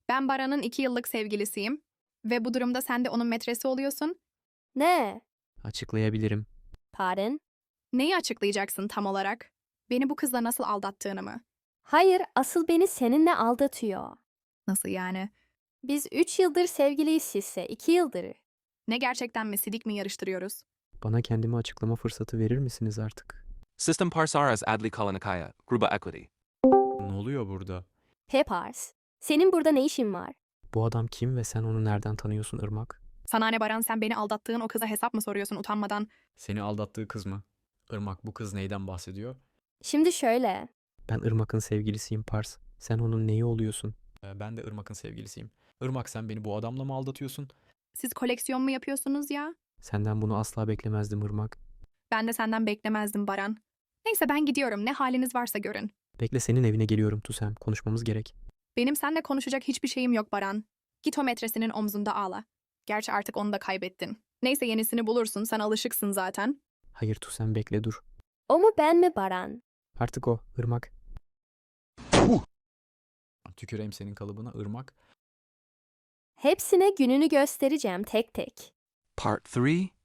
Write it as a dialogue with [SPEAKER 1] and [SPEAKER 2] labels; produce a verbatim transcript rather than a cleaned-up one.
[SPEAKER 1] Ben Baran'ın iki yıllık sevgilisiyim. Ve bu durumda sen de onun metresi oluyorsun.
[SPEAKER 2] Ne?
[SPEAKER 3] Açıklayabilirim.
[SPEAKER 2] Pardon?
[SPEAKER 1] Neyi açıklayacaksın tam olarak? Beni bu kızla nasıl aldattığını mı?
[SPEAKER 2] Hayır, asıl beni seninle aldatıyor.
[SPEAKER 1] Nasıl yani?
[SPEAKER 2] Biz üç yıldır sevgiliyiz sizse, iki yıldır.
[SPEAKER 1] Ne gerçekten mi sidik mi yarıştırıyoruz?
[SPEAKER 3] Bana kendimi açıklama fırsatı verir misiniz artık?
[SPEAKER 4] System Parsaras Adli Kalanikaya, Gruba Equity.
[SPEAKER 5] Ne oluyor burada?
[SPEAKER 2] Pepars, senin burada ne işin var?
[SPEAKER 3] Bu adam kim ve sen onu nereden tanıyorsun Irmak?
[SPEAKER 1] Sana ne Baran, sen beni aldattığın o kıza hesap mı soruyorsun utanmadan?
[SPEAKER 5] Seni aldattığı kız mı? Irmak, bu kız neyden bahsediyor?
[SPEAKER 2] Şimdi şöyle,
[SPEAKER 3] Ben Irmak'ın sevgilisiyim Pars. Sen onun neyi oluyorsun?
[SPEAKER 5] Ee, ben de Irmak'ın sevgilisiyim. Irmak, sen beni bu adamla mı aldatıyorsun?
[SPEAKER 1] Siz koleksiyon mu yapıyorsunuz ya?
[SPEAKER 3] Senden bunu asla beklemezdim Irmak.
[SPEAKER 1] Ben de senden beklemezdim Baran. Neyse ben gidiyorum. Ne haliniz varsa görün.
[SPEAKER 3] Bekle, senin evine geliyorum Tusem. Konuşmamız gerek.
[SPEAKER 1] Benim seninle konuşacak hiçbir şeyim yok Baran. Git o metresinin omzunda ağla. Gerçi artık onu da kaybettin. Neyse yenisini bulursun. Sen alışıksın zaten.
[SPEAKER 3] Hayır Tusem, bekle dur.
[SPEAKER 2] o mu ben mi Baran?
[SPEAKER 3] Artık o Irmak.
[SPEAKER 5] Tüküreyim senin kalıbına Irmak.
[SPEAKER 2] Hepsine gününü göstereceğim tek tek.
[SPEAKER 4] Part three